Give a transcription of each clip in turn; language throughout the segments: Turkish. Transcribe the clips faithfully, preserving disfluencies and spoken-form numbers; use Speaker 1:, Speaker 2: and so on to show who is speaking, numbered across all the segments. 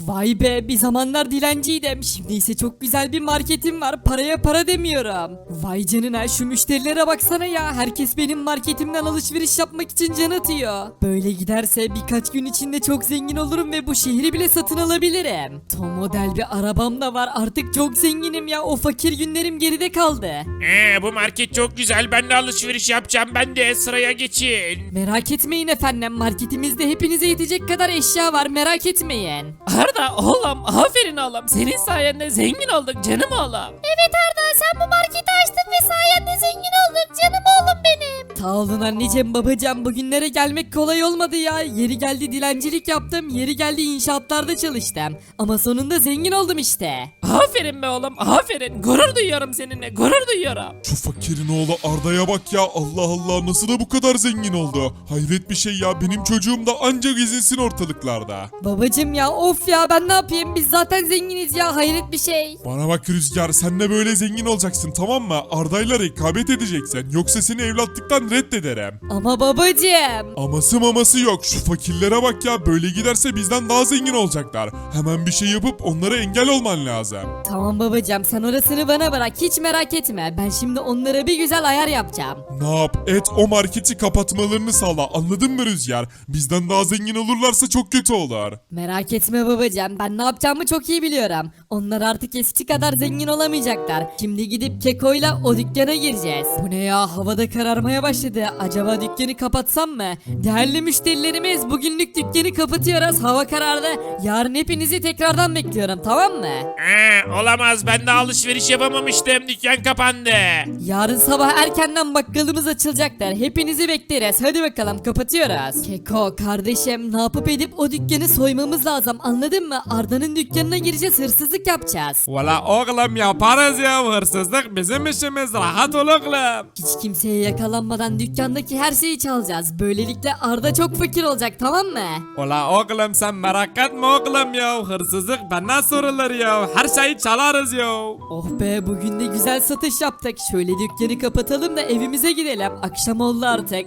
Speaker 1: Vay be, bir zamanlar dilenciydim. Şimdi ise çok güzel bir marketim var. Paraya para demiyorum. Vay canına, şu müşterilere baksana ya. Herkes benim marketimden alışveriş yapmak için can atıyor. Böyle giderse birkaç gün içinde çok zengin olurum ve bu şehri bile satın alabilirim. Tom model bir arabam da var. Artık çok zenginim ya. O fakir günlerim geride kaldı.
Speaker 2: Ee, bu market çok güzel. Ben de alışveriş yapacağım. Ben de sıraya geçin.
Speaker 1: Merak etmeyin efendim. Marketimizde hepinize yetecek kadar eşya var. Merak etmeyin.
Speaker 3: Arda oğlum, aferin oğlum, senin sayende zengin olduk canım oğlum.
Speaker 4: Evet Arda, sen bu marketi açtın ve sayende zengin olduk canım oğlum benim.
Speaker 1: Sağ olun anneciğim babacığım, bugünlere gelmek kolay olmadı ya. Yeri geldi dilencilik yaptım, yeri geldi inşaatlarda çalıştım. Ama sonunda zengin oldum işte.
Speaker 3: Aferin be oğlum, aferin, gurur duyuyorum seninle, gurur duyuyorum.
Speaker 5: Şu fakirin oğlu Arda'ya bak ya, Allah Allah, nasıl da bu kadar zengin oldu. Hayret bir şey ya, benim çocuğum da ancak gezinsin ortalıklarda.
Speaker 1: Babacığım ya, of ya, ben ne yapayım, biz zaten zenginiz ya, hayret bir şey.
Speaker 5: Bana bak Rüzgar, sen de böyle zengin olacaksın, tamam mı? Arda'yla rekabet edeceksin, yoksa seni evlatlıktan reddederim.
Speaker 1: Ama babacığım.
Speaker 5: Aması maması yok, şu fakirlere bak ya, böyle giderse bizden daha zengin olacaklar. Hemen bir şey yapıp onlara engel olman lazım.
Speaker 1: Tamam babacığım, sen orasını bana bırak, hiç merak etme. Ben şimdi onlara bir güzel ayar yapacağım.
Speaker 5: Ne yap et, o marketi kapatmalarını sağla, anladın mı Rüzgar? Bizden daha zengin olurlarsa çok kötü olur.
Speaker 1: Merak etme babacığım, ben ne yapacağımı çok iyi biliyorum. Onlar artık eski kadar zengin olamayacaklar. Şimdi gidip Keko'yla o dükkana gireceğiz. Bu ne ya, havada kararmaya başladı. Acaba dükkanı kapatsam mı? Değerli müşterilerimiz, bugünlük dükkanı kapatıyoruz. Hava karardı. Yarın hepinizi tekrardan bekliyorum, tamam mı?
Speaker 2: Ee, olamaz. Ben de alışveriş yapamamıştım. Dükkan kapandı.
Speaker 1: Yarın sabah erkenden bakkalımız açılacaktır. Hepinizi bekleriz. Hadi bakalım, kapatıyoruz. Keko kardeşim, ne yapıp edip o dükkanı soymamız lazım, anladın mı? Arda'nın dükkanına gireceğiz, hırsızlık yapacağız.
Speaker 3: Valla oğlum yaparız ya, hırsızlık bizim işimiz, rahat ol oğlum.
Speaker 1: Hiç kimseye yakalanmadan dükkandaki her şeyi çalacağız. Böylelikle Arda çok fakir olacak, tamam mı?
Speaker 3: Ola oğlum sen merak etme oğlum ya, hırsızlık bana sorulur ya, her şeyi çalarız ya.
Speaker 1: Oh be, bugün de güzel satış yaptık. Şöyle dükkanı kapatalım da evimize gidelim. Akşam oldu artık.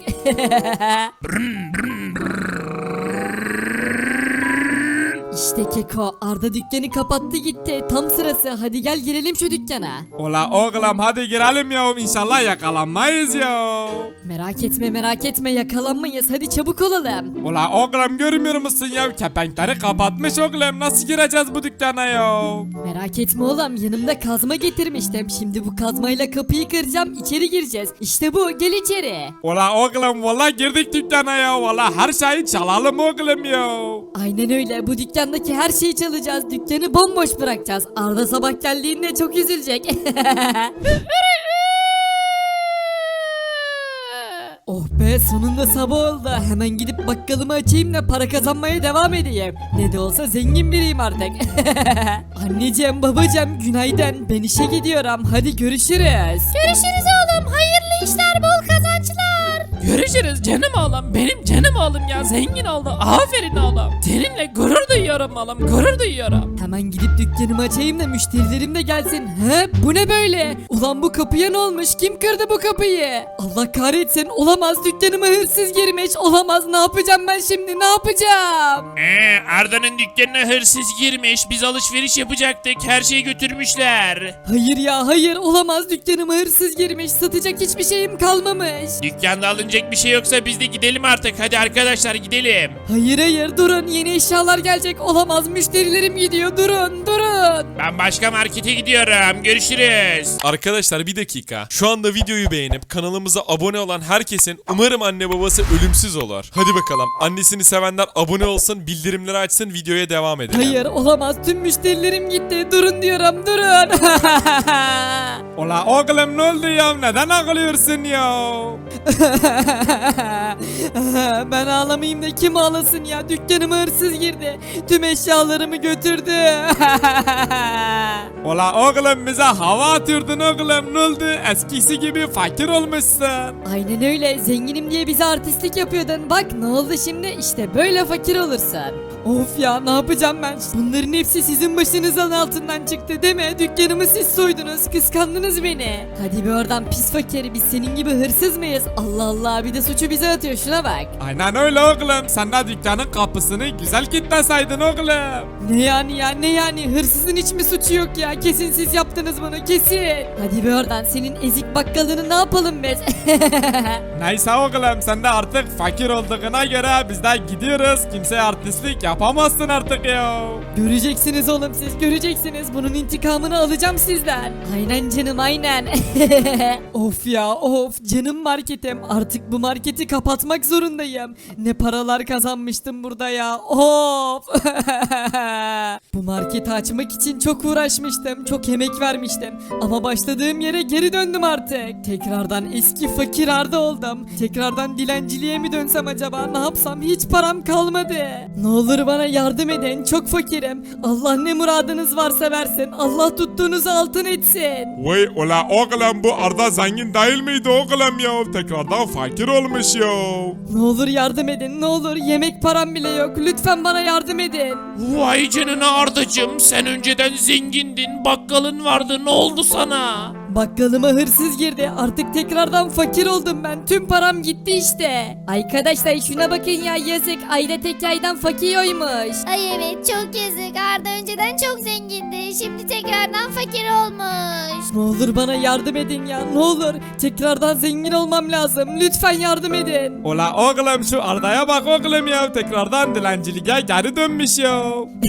Speaker 1: İşte Keko, Arda dükkanı kapattı gitti. Tam sırası, hadi gel girelim şu dükkana.
Speaker 3: Ola oğlum hadi girelim ya, inşallah yakalanmayız ya.
Speaker 1: Merak etme merak etme, yakalanmayız, hadi çabuk olalım.
Speaker 3: Ola oğlum görmüyor musun ya, kepenkleri kapatmış oğlum, nasıl gireceğiz bu dükkana ya?
Speaker 1: Merak etme oğlum, yanımda kazma getirmiştim. Şimdi bu kazmayla kapıyı kıracağım, içeri gireceğiz. İşte bu, gel içeri.
Speaker 3: Ola oğlum valla girdik dükkana ya, valla her şeyi çalalım oğlum ya.
Speaker 1: Aynen öyle, bu dükkandaki her şeyi çalacağız. Dükkanı bomboş bırakacağız. Arda sabah geldiğinde çok üzülecek. Oh be, sonunda sabah oldu. Hemen gidip bakkalımı açayım da para kazanmaya devam edeyim. Ne de olsa zengin biriyim artık. Anneciğim babacığım günaydın. Ben işe gidiyorum. Hadi görüşürüz.
Speaker 4: Görüşürüz oğlum, hayırlı işler, bol kazançlar.
Speaker 3: Görüşürüz canım oğlum, benim canım oğlum ya, zengin oldu, aferin oğlum. Seninle gurur duyuyorum oğlum, gurur duyuyorum.
Speaker 1: Hemen gidip dükkanımı açayım da müşterilerim de gelsin. He, bu ne böyle? Ulan bu kapıya ne olmuş? Kim kırdı bu kapıyı? Allah kahretsin, olamaz, dükkanıma hırsız girmiş. Olamaz, ne yapacağım ben şimdi, ne yapacağım?
Speaker 2: Ee, Arda'nın dükkanına hırsız girmiş. Biz alışveriş yapacaktık. Her şeyi götürmüşler.
Speaker 1: Hayır ya hayır, olamaz, dükkanıma hırsız girmiş. Satacak hiçbir şeyim kalmamış.
Speaker 2: Dükkanda alınacak bir şey yoksa biz de gidelim artık. Hadi arkadaşlar gidelim.
Speaker 1: Hayır hayır, durun, yeni eşyalar gelecek. Olamaz, müşterilerim gidiyor, durun durun.
Speaker 2: Ben başka markete gidiyorum. Görüşürüz.
Speaker 6: Arkadaşlar bir dakika. Şu anda videoyu beğenip kanalımıza abone olan herkesin umarım anne babası ölümsüz olur. Hadi bakalım. Annesini sevenler abone olsun, bildirimleri açsın, videoya devam edelim.
Speaker 1: Hayır olamaz, tüm müşterilerim gitti. Durun diyorum, durun.
Speaker 3: Ola oğlum ne oldu ya, neden ağlıyorsun ya?
Speaker 1: Ben ağlamayayım da kim ağlasın ya? Dükkanıma hırsız girdi. Tüm eşyalarımı götürdü.
Speaker 3: Ola oğlum bize hava atıyordun oğlum, ne oldu? Eskisi gibi fakir olmuşsun.
Speaker 1: Aynen öyle, zenginim diye bize artistlik yapıyordun. Bak ne oldu şimdi, işte böyle fakir olursun. Of ya ne yapacağım ben? Bunların hepsi sizin başınızın altından çıktı değil mi? Dükkanımı siz soydunuz, kıskandınız beni. Hadi bir oradan pis fakir, biz senin gibi hırsız mıyız? Allah Allah, bir de suçu bize atıyor, şuna bak.
Speaker 7: Aynen öyle oğlum. Sen de dükkanın kapısını güzel kilitleseydin oğlum.
Speaker 1: Ne yani ya, ne yani? Hırsızın hiç mi suçu yok ya? Kesin siz yaptınız bunu, kesin. Hadi bir oradan, senin ezik bakkalını ne yapalım biz?
Speaker 7: Neyse oğlum, sen de artık fakir olduğuna göre biz de gidiyoruz. Kimseye artistlik yapamazsın artık ya.
Speaker 1: Göreceksiniz oğlum, siz göreceksiniz. Bunun intikamını alacağım sizden. Aynen canım, aynen. Of ya of, canım marketim. Artık bu marketi kapatmak zorundayım. Ne paralar kazanmıştım burada ya. Of. Bu marketi açmak için çok uğraşmıştım. Çok emek vermiştim. Ama başladığım yere geri döndüm artık. Tekrardan eski fakir Arda oldum. Tekrardan dilenciliğe mi dönsem acaba? Ne yapsam? Hiç param kalmadı. Ne olur bana yardım edin. Çok fakirim. Allah ne muradınız varsa versin. Allah tuttuğunuzu altın etsin.
Speaker 5: Vay ola oğlum, bu Arda zengin değil miydi oğlum ya? Tekrardan fakir olmuş ya.
Speaker 1: Ne olur yardım edin. Ne olur, yemek param bile yok. Lütfen bana yardım edin.
Speaker 2: Vay canına Ardacım, sen önceden zengindin, bakkalın vardı, ne oldu sana?
Speaker 1: Bakkalıma hırsız girdi. Artık tekrardan fakir oldum ben. Tüm param gitti işte. Arkadaşlar şuna bakın ya, yazık. Ayda tek aydan fakir oymuş.
Speaker 4: Ay evet çok yazık. Arda önceden çok zengindi. Şimdi tekrardan fakir olmuş.
Speaker 1: Ne olur bana yardım edin ya, ne olur. Tekrardan zengin olmam lazım. Lütfen yardım edin.
Speaker 7: Ola oğlum, şu Arda'ya bak oğlum ya. Tekrardan dilenciliğe geri dönmüş ya.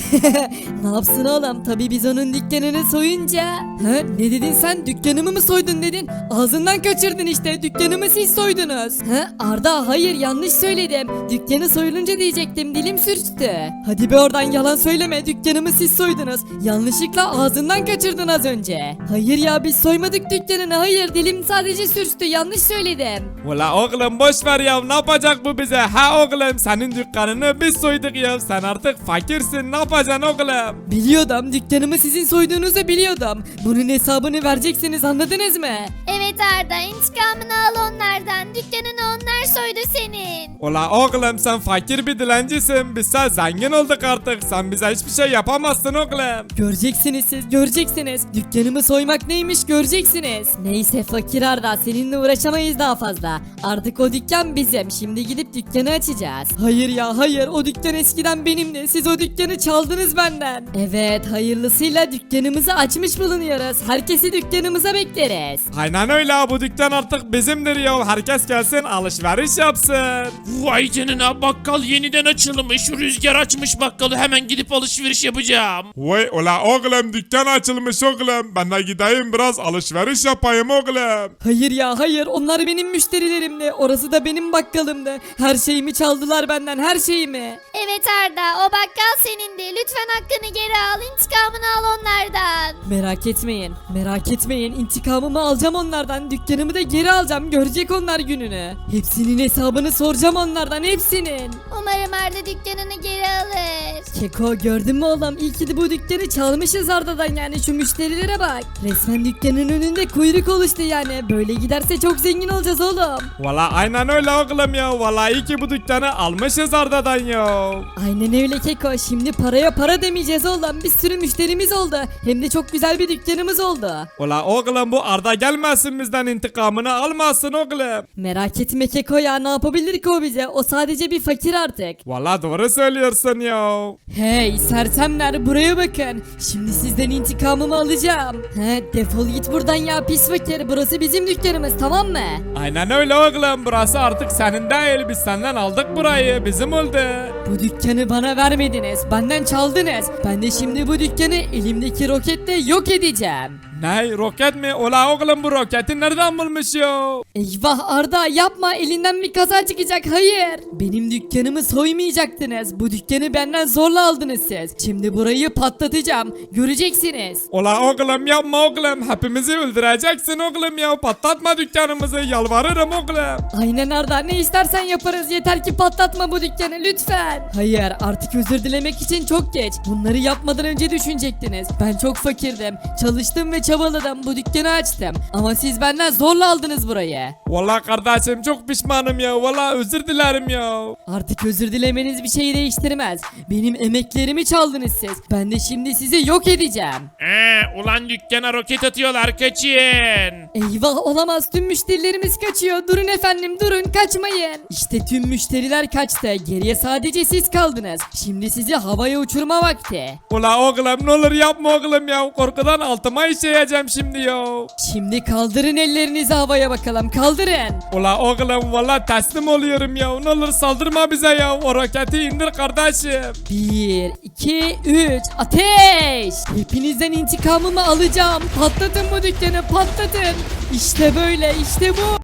Speaker 1: Ne yapsın oğlum? Tabii biz onun dükkanını soyunca. Ha, ne dedin sen? Dükkanımı mı soydun dedin? Ağzından kaçırdın işte. Dükkanımı siz soydunuz. Ha, Arda hayır, yanlış söyledim. Dükkanı soyulunca diyecektim, dilim sürçtü. Hadi be oradan, yalan söyleme. Dükkanımı siz soydunuz. Yanlışlıkla ağzından kaçırdın az önce. Hayır ya, biz soymadık dükkanını. Hayır, dilim sadece sürçtü. Yanlış söyledim.
Speaker 7: Ola oğlum boş ver ya, ne yapacak bu bize? Ha oğlum, senin dükkanını biz soyduk ya. Sen artık fakirsin, ne yapacaksın oğlum?
Speaker 1: Biliyordum, dükkanımı sizin soyduğunuzu biliyordum. Bunun hesabını vereceksiniz, anladınız mı?
Speaker 4: Evet Arda, intikamını al onlardan. Dükkanını onlar soydu senin.
Speaker 7: Ola oğlum, sen fakir bir dilencisin. Biz sen zengin olduk artık. Sen bize hiçbir şey yapamazsın oğlum.
Speaker 1: Göreceksiniz siz, göreceksiniz. Dükkanımı soymak neymiş göreceksiniz. Neyse fakir Arda, seninle uğraşamayız daha fazla. Artık o dükkan bizim. Şimdi gidip dükkanı açacağız. Hayır ya hayır, o dükkan eskiden benimdi. Siz o dükkanı çaldınız benden. Evet, hayırlısıyla dükkanımızı açmış bulunuyoruz. Herkesi dükkanımıza bekleriz.
Speaker 7: Aynen öyle, bu dükkan artık bizimdir ya. Herkes gelsin alışveriş yapsın.
Speaker 2: Vay canına, bakkal yeniden açılmış, Rüzgar açmış bakkalı, hemen gidip alışveriş yapacağım.
Speaker 5: Vay ola oğlum, dükkan açılmış oğlum. Ben de gideyim biraz alışveriş yapayım oğlum.
Speaker 1: Hayır ya hayır, onlar benim müşterilerimdi. Orası da benim bakkalımdı. Her şeyimi çaldılar benden, her şeyimi.
Speaker 4: Evet Arda, o bakkal senindi. Lütfen hakkını geri al. İntikamını al onlardan.
Speaker 1: Merak etmeyin, merak etmeyin. İntikamımı alacağım onlardan. Dükkanımı da geri alacağım. Görecek onlar gününü. Hepsinin hesabını soracağım onlardan, hepsinin.
Speaker 4: Umarım Arda dükkanını geri alır.
Speaker 1: Keko, gördün mü oğlum? İyi ki de bu dükkanı çalmışız Arda'dan yani. Şu müşterilere bak. Resmen dükkanın önünde kuyruk oluştu yani. Böyle giderse çok zengin olacağız oğlum.
Speaker 7: Valla aynen öyle oğlum ya. Valla iyi ki bu dükkanı almışız Arda'dan ya.
Speaker 1: Aynen öyle Keko. Şimdi paraya para demeyeceğiz oğlum. Bir sürü müşterimiz oldu. Hem de çok güzel bir dükkanımız oldu.
Speaker 7: Valla oğlum, bu Arda gelmesin bizden, intikamını almasın oğlum.
Speaker 1: Merak etme Keko ya, ne yapabilir ki o bize? O sadece bir fakir artık.
Speaker 7: Valla doğru söylüyorsun ya.
Speaker 1: Hey sersemler, buraya bakın. Şimdi sizden intikamımı alacağım. He, defol git buradan ya pis fakir. Burası bizim dükkanımız, tamam mı?
Speaker 7: Aynen öyle oğlum, burası artık senin değil. Biz senden aldık burayı, bizim oldu.
Speaker 1: Bu dükkanı bana vermediniz. Benden çaldınız. Ben de şimdi bu dükkanı elimdeki roketle yok edeceğim.
Speaker 7: Ne, roket mi? Ola oğlum, bu roketi nereden bulmuş ya?
Speaker 1: Eyvah Arda, yapma, elinden bir kaza çıkacak. Hayır. Benim dükkanımı soymayacaktınız. Bu dükkanı benden zorla aldınız siz. Şimdi burayı patlatacağım. Göreceksiniz.
Speaker 7: Ola oğlum, yapma oğlum, hepimizi öldüreceksin oğlum ya. Patlatma dükkanımızı, yalvarırım oğlum.
Speaker 1: Aynen Arda, ne istersen yaparız. Yeter ki patlatma bu dükkanı lütfen. lütfen. Hayır, artık özür dilemek için çok geç. Bunları yapmadan önce düşünecektiniz. Ben çok fakirdim. Çalıştım ve çabaladım. Bu dükkanı açtım. Ama siz benden zorla aldınız burayı.
Speaker 7: Vallahi kardeşim çok pişmanım ya. Vallahi özür dilerim ya.
Speaker 1: Artık özür dilemeniz bir şeyi değiştirmez. Benim emeklerimi çaldınız siz. Ben de şimdi sizi yok edeceğim.
Speaker 2: Ee, ulan dükkana roket atıyorlar kaçın.
Speaker 1: Eyvah, olamaz, tüm müşterilerimiz kaçıyor. Durun efendim, durun, kaçmayın. İşte tüm müşteriler kaçtı. Geriye sadece siz kaldınız. Şimdi sizi havaya uçurma vakti.
Speaker 7: Ula oğlum ne olur yapma oğlum ya. Korkudan altıma işeyeceğim şimdi ya.
Speaker 1: Şimdi kaldırın ellerinizi havaya bakalım, kaldırın.
Speaker 7: Ula oğlum valla teslim oluyorum ya. Ne olur saldırma bize ya. O roketi indir kardeşim.
Speaker 1: Bir, iki, üç, ateş! Hepinizden intikamımı alacağım. Patlatın bu dükkanı, patlatın. İşte böyle, işte bu.